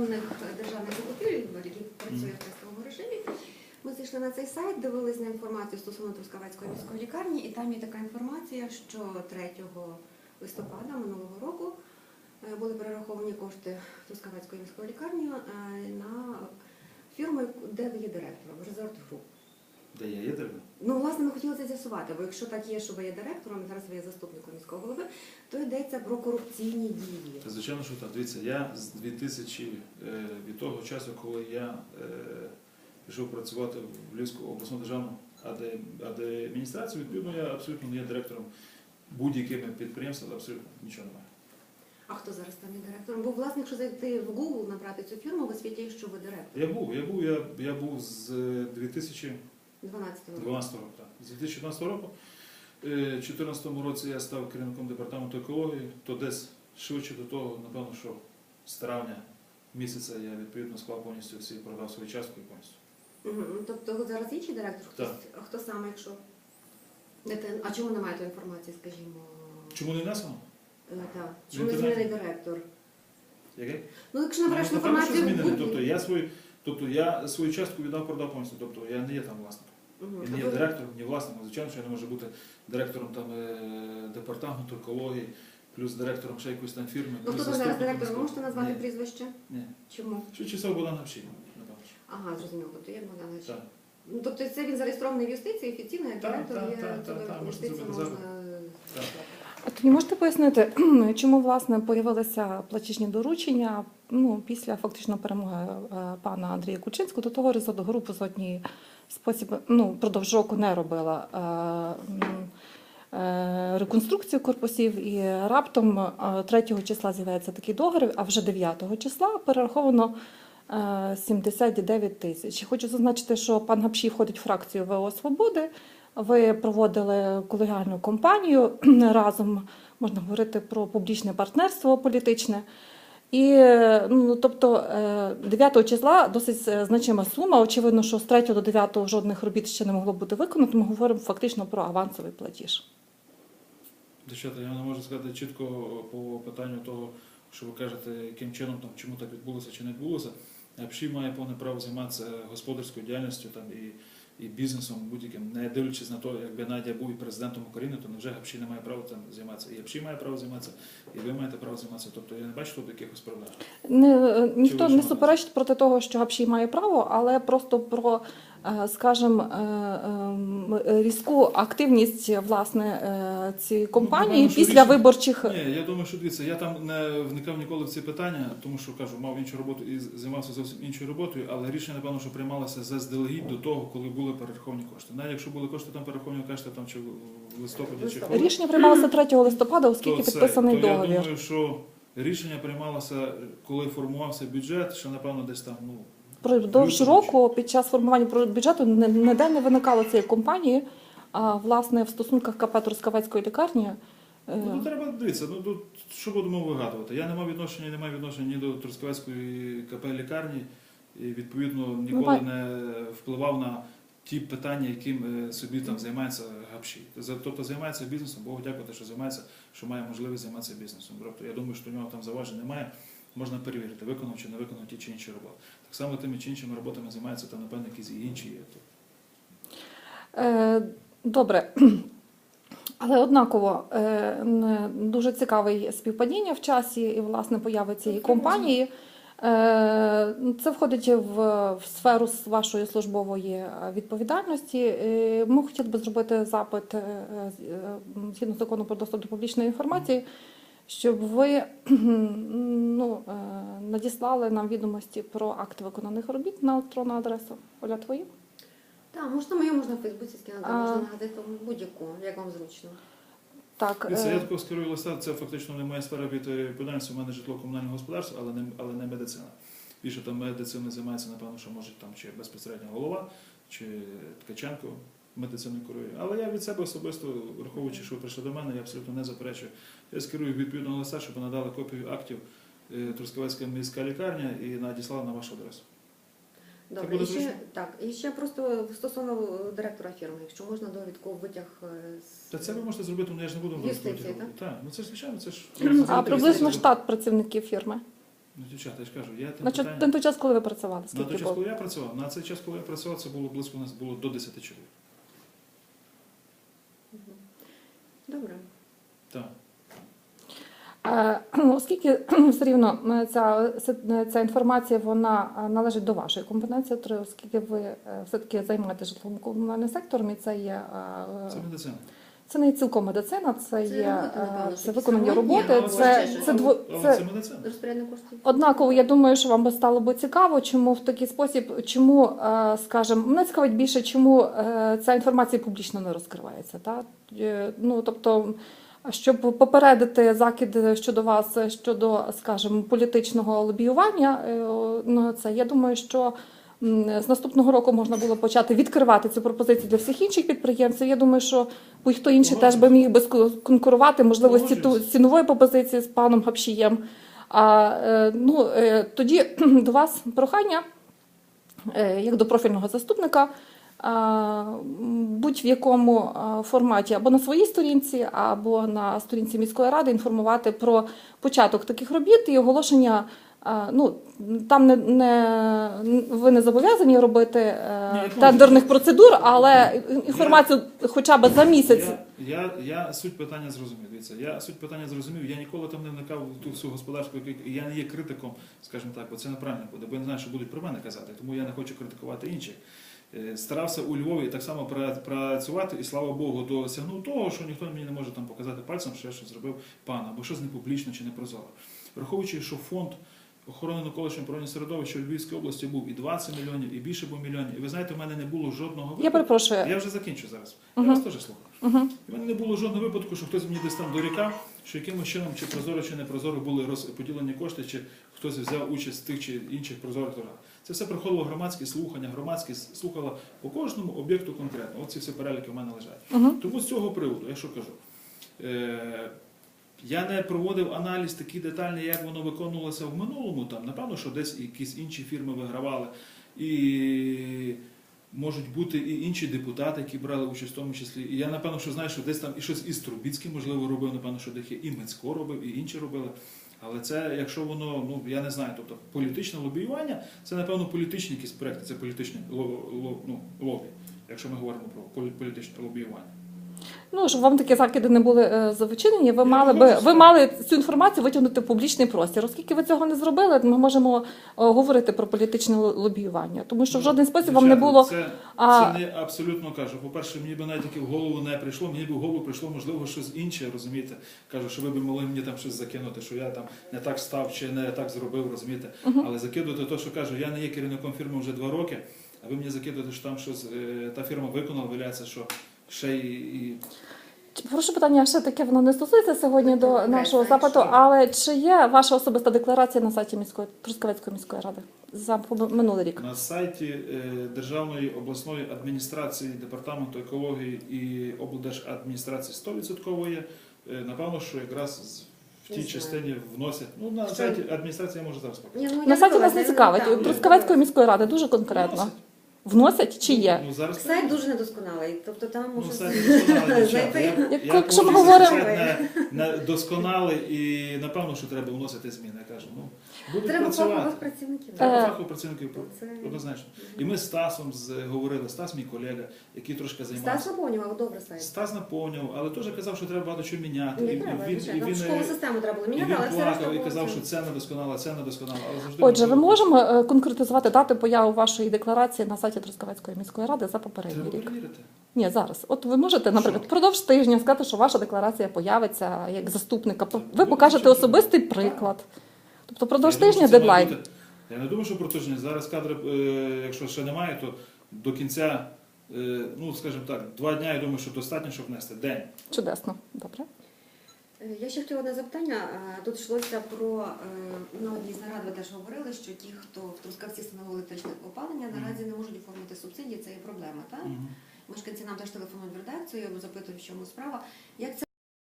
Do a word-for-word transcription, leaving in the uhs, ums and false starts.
електронних державних закупівель, який працює в тестовому режимі. Ми зайшли на цей сайт, дивились на інформацію стосовно Трускавецької міської лікарні, і там є така інформація, що третього листопада минулого року були перераховані кошти Трускавецької міської лікарні на фірму, де ви є директором, Resort Group. Де я є директором? Ну, власне, ми хотіли це з'ясувати, бо якщо так є, що ви є директором, і зараз ви є заступником міського голови, то йдеться про корупційні дії. Та, звичайно, що так. Дивіться, я з дві тисячі, від того часу, коли я е, пішов працювати в Львівську обласну державну адміністрацію, відповідно, я абсолютно не є директором будь-якими підприємствами, абсолютно нічого немає. А хто зараз там є директором? Бо, власне, якщо зайти в Google, набрати цю фірму, висвітлює, що ви директор. Я був, я був, я, я був з дві тисячі дванадцятого року. Так. З дві тисячі дванадцятого року. У дві тисячі чотирнадцятому році я став керівником департаменту екології, то десь швидше до того, напевно, що з травня місяця я відповідно склав повністю всі, продав свою частку і повністю. Угу. Тобто зараз інший директор? Хтось, Так. а хто саме, якщо? Не те- А чому немає тої інформації, скажімо? Чому не внесено? Е, Так. В Чому не інтернеті? змінений директор? Яке? Ну, якщо набереш Ну, напевно, що інформацію в змінений. Google... Тобто я свою, тобто я свою частку віддав, продав повністю. Тобто я не є там власником. Угу. Я не є директором, ні власником. Звичайно, що я не можу бути директором там е, департаменту екології, плюс директором ще якоїсь там фірми. Ну, плюс хто там зараз заступником директор? Ви можете назвати Ні. прізвище? Ні. Чому? Що часов Богдан Гапшій, напевно. що. Ага, зрозуміло. Тобто є Богданович. Так. Ну, тобто це він зареєстрований в юстиції, офіційно, як Так, директор так, є, так, то так, так, в можете юстиції зробити можна... Так. А тоді можете пояснити, чому власне появилися платіжні доручення ну, після фактично перемоги е, пана Андрія Кучинського? До того Resort Group в жодній спосіб ну, впродовж року не робила е, е, реконструкцію корпусів, і раптом е, третього числа з'являється такий договір, а вже дев'ятого числа перераховано е, сімдесят дев'ять тисяч. Хочу зазначити, що пан Гапшій входить в фракцію ВО «Свободи». Ви проводили колегіальну кампанію разом, можна говорити про публічне партнерство політичне. І, ну, тобто, дев'ятого числа досить значима сума. Очевидно, що з третього до дев'ятого жодних робіт ще не могло бути виконано. Ми говоримо фактично про авансовий платіж. Дівчата, я не можу сказати чітко по питанню того, що ви кажете, яким чином, там, чому так відбулося чи не відбулося. Гапшій має повне право займатися господарською діяльністю там, і і бізнесом будь-яким, не дивлячись на те, якби Надя був і президентом України, то невже Гапшій не має права там займатися. І Гапшій має право займатися, і ви маєте право займатися. Тобто я не бачу тут якихось проблем. Не, ніхто Чи не суперечить проти того, що Гапшій має право, але просто про, скажімо, різку активність власне цієї компанії Ну, після рішення... виборчих... Ні, я думаю, що дивіться, я там не вникав ніколи в ці питання, тому що, кажу, мав іншу роботу і займався зовсім іншою роботою, але рішення, напевно, що приймалося заздалегідь до того, коли були перераховані кошти. Навіть якщо були кошти там перераховані, кажете, там чи в листопаді, чи коли, Рішення приймалося третього листопада, оскільки то це, підписаний то договір. Я думаю, що рішення приймалося, коли формувався бюджет, що, напевно, десь там, ну, Продовж року під час формування бюджету ніде не виникало цієї компанії, а власне в стосунках КП Трускавецької лікарні. Ну, тут треба дивитися, ну, тут, що будемо вигадувати. Я не мав відношення, не маю відношення ні до Трускавецької КП лікарні, і відповідно ніколи не впливав на ті питання, яким собі там займається Гапшій. Тобто займається бізнесом, Богу дякувати, що займається, що має можливість займатися бізнесом. Тобто я думаю, що у нього там заважень немає. Можна перевірити, виконав чи не виконав ті чи інші роботи. Так само тими чи іншими роботами займаються там, напевно, якісь і інші є. Е, добре. Але однаково е, дуже цікаве співпадіння в часі і, власне, появи цієї компанії. Е, це входить в, в сферу вашої службової відповідальності. Е, ми хотіли б зробити запит е, згідно закону про доступ до публічної інформації, щоб ви ну, надіслали нам відомості про акти виконаних робіт на електронну адресу. Оля, твої? Так, можна мою, можна в Фейсбуці скинути, А... можна на газету, будь-яку, як вам зручно. Так. Це я такого скерую листа, це фактично не моя сфера відповідальності, у мене житлово-комунальне господарство, але не, але не медицина. Більше там медициною займається, напевно, що може там чи безпосередньо голова, чи Ткаченко медициною керує. Але я від себе особисто, враховуючи, що ви прийшли до мене, я абсолютно не заперечую. Я скерую відповідного листа, щоб надали копію актів Трускавецька міська лікарня і надіслала на вашу адресу. Добре, і ще, так, і ще просто стосовно директора фірми, якщо можна довідку витяг з... Та це ви можете зробити, ну я ж не буду юстиції, так? Так, ну це ж звичайно, це ж... А приблизно штат працівників фірми? Ну, дівчата, я ж кажу, я тим На, чо- питанням... на той час, коли ви працювали, На скільки той час, було? коли я працював, на цей час, коли я працював, це було близько, у нас було до десяти чоловік. Добре. Так. Е, Оскільки все рівно е, ця, е, ця інформація вона е, належить до вашої компетенції, то оскільки ви е, все-таки займаєтеся житлово-комунальним сектором, і це є е, Це медицина. це не цілком медицина, це Це є робота, е, напевно, це що виконання сьогодні, роботи. або Це, ще це, щось. дво, Але це це медицина. Розпорядник коштів. однаково. Я думаю, що вам би стало би цікаво, чому в такий спосіб, чому, е, скажімо, мене цікавить більше, чому е, ця інформація публічно не розкривається. Так? Е, Ну, тобто, щоб попередити закиди щодо вас, щодо, скажімо, політичного лобіювання, е, ну, це, я думаю, що м, з наступного року можна було почати відкривати цю пропозицію для всіх інших підприємців. Я думаю, що будь-хто інший теж би міг би ску- конкурувати, можливо, з ці- Погоджуюсь. з цінової пропозиції з паном Гапшієм. А е, ну, е, тоді до вас прохання, е, як до профільного заступника, а, будь-в якому а, форматі або на своїй сторінці, або на сторінці міської ради інформувати про початок таких робіт і оголошення. а, Ну, там не, не, ви не зобов'язані робити е, Ні, я тендерних процедур, але інформацію хоча б за місяць. Я, я, я суть питання зрозумів. Дивіться, я суть питання зрозумів. Я ніколи там не вникав в ту всю господарську, і я не є критиком, скажімо так, бо це неправильно буде, бо я не знаю, що будуть про мене казати, тому я не хочу критикувати інших. Е, Старався у Львові так само пра- працювати, і слава Богу, досягнув того, що ніхто мені не може там показати пальцем, що я щось зробив пан, або щось не публічно чи не прозоро. Враховуючи, що фонд охорони навколишнього природного середовища у Львівській області був і двадцять мільйонів, і більше був мільйонів. І ви знаєте, у мене не було жодного випадку. Я перепрошую. Я вже закінчу зараз. Мгм. Я вас теж слухаю. Угу. У мене не було жодного випадку, що хтось мені десь там дорікав, що якимось чином, чи прозоро, чи не прозоро були розподілені кошти, чи хтось взяв участь в тих чи інших прозорих торгах. Це все проходило громадські слухання, громадськість слухала по кожному об'єкту конкретно. От ці всі переліки в мене лежать. Угу. Тому з цього приводу, я що кажу, е- я не проводив аналіз такий детальний, як воно виконувалося в минулому. Там, напевно, що десь якісь інші фірми вигравали. І можуть бути і інші депутати, які брали участь в тому числі. І я, напевно, що знаю, що десь там і щось із Трубіцьким, можливо, робив, напевно, що десь є, і Мицько робив, і інші робили. Але це, якщо воно, ну, я не знаю, тобто політичне лобіювання, це, напевно, політичні якісь проекти, це політичне ло- ло- ну, лобі, якщо ми говоримо про полі- політичне лобіювання. Ну, щоб вам такі закиди не були е, завичинені, ви Я мали би погоджуюсь. ви мали цю інформацію витягнути в публічний простір. Оскільки ви цього не зробили, ми можемо е, говорити про політичне л- лобіювання, тому що в Ну, жоден спосіб вам не дівчата, було. Це, а- це не абсолютно кажу. По-перше, мені би навіть таки в голову не прийшло, мені б в голову прийшло, можливо, щось інше, розумієте. Кажу, що ви б могли мені там щось закинути, що я там не так став чи не так зробив, розумієте. Мгм. Але закидувати те, що кажу, я не є керівником фірми вже два роки, а ви мені закидуєте, що там щось е, та фірма виконала, виявляється, що ще і. і... Прошу питання, ще таке воно не стосується сьогодні до Окей, нашого так, запиту, що? але чи є ваша особиста декларація на сайті міської Трускавецької міської ради за минулий рік? На сайті е, Державної обласної адміністрації, департаменту екології і облдержадміністрації сто відсотків є. Е, Напевно, що якраз з- в Не тій знаю. частині вносять. Ну, на Що? сайті адміністрації я можу зараз показати. Ні, ну, На я сайті нас согласна, не я цікавить. там. Трускавецької міської ради дуже конкретно. Вносять. Вносять чи є? Ну, зараз Сайт дуже недосконалий, тобто там Ну, може сайт недосконалий, дівчата. знайти. Я- Як- я якщо ми погоджуюся, говоримо- що сайт не, не досконалий і напевно, що треба вносити зміни. Я кажу, ну, будуть Треба фахових працювати. працівників. Треба Е, фахових працівників, Це... однозначно. І ми з Стасом з- говорили, Стас мій колега, який трошки займався. Стас наповнював добре сайт. Стас наповнював, але теж казав, що треба багато чого міняти. Не І, треба, і він, і звичайно. він, Школу і систему треба було він міняти, але все плакав решта і було казав, це. що це недосконало, це недосконало. Але завжди Отже, ви можливо- можемо е, конкретизувати дати появи вашої декларації на сайті Трускавецької міської ради за попередній Треба рік? перевірити. Ні, зараз. От ви можете, наприклад, Що? впродовж тижня сказати, що ваша декларація появиться як заступника. Це Ви буде покажете нічого. особистий Так. приклад. Тобто впродовж Я думаю, тижня що це має дедлайн. бути- Я не думаю, що про тиждень. Зараз кадри, е, якщо ще немає, то до кінця, е, ну, скажімо так, два дня, я думаю, що достатньо, щоб внести. День. Чудесно. Добре. Е, Я ще хотіла одне запитання. Е, Тут йшлося про, е, на одній з нарад ви теж говорили, що ті, хто в Трускавці встановили електричне опалення, наразі не можуть оформити субсидії, це є проблема, так? Мгм. Мешканці нам теж телефонують в редакцію, запитують, в чому справа. Як це